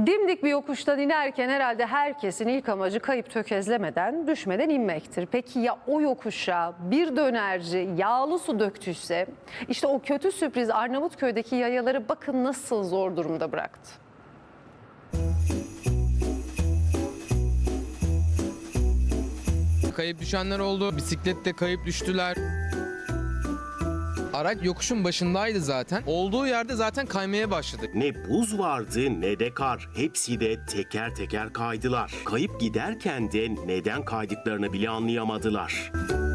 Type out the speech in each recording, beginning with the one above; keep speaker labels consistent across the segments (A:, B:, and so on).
A: Dimdik bir yokuştan inerken herhalde herkesin ilk amacı kayıp tökezlemeden, düşmeden inmektir. Peki ya o yokuşa bir dönerci yağlı su döktüyse? İşte o kötü sürpriz Arnavutköy'deki yayaları bakın nasıl zor durumda bıraktı.
B: Kayıp düşenler oldu, bisiklette kayıp düştüler. Araç yokuşun başındaydı zaten. Olduğu yerde zaten kaymaya başladı.
C: Ne buz vardı ne de kar. Hepsi de teker teker kaydılar. Kayıp giderken de neden kaydıklarını bile anlayamadılar.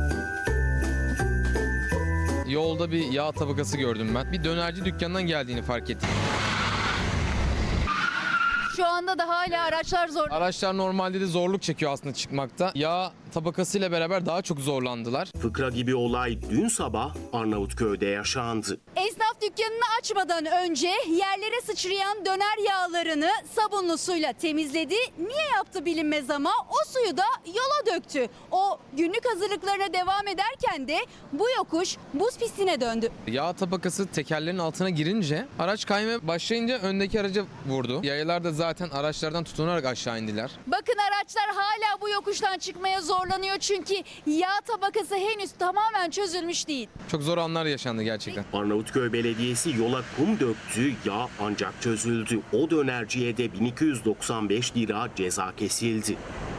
B: Yolda bir yağ tabakası gördüm ben. Bir dönerci dükkanından geldiğini fark ettim.
D: Şu anda da hala araçlar zor.
B: Araçlar normalde de zorluk çekiyor aslında çıkmakta. Yağ tabakasıyla beraber daha çok zorlandılar.
C: Fıkra gibi olay dün sabah Arnavutköy'de yaşandı.
D: Esnaf dükkanını açmadan önce yerlere sıçrayan döner yağlarını sabunlu suyla temizledi. Niye yaptı bilinmez ama o suyu da yola döktü. O günlük hazırlıklarına devam ederken de bu yokuş buz pistine döndü.
B: Yağ tabakası tekerlerin altına girince araç kaymaya başlayınca öndeki araca vurdu. Yayalar da zaten araçlardan tutunarak aşağı indiler.
D: Bakın araçlar hala bu yokuştan çıkmaya zorlanıyor çünkü yağ tabakası henüz tamamen çözülmüş değil.
B: Çok zor anlar yaşandı gerçekten.
C: Arnavutköy Belediyesi yola kum döktü, yağ ancak çözüldü. O dönerciye de 1295 lira ceza kesildi.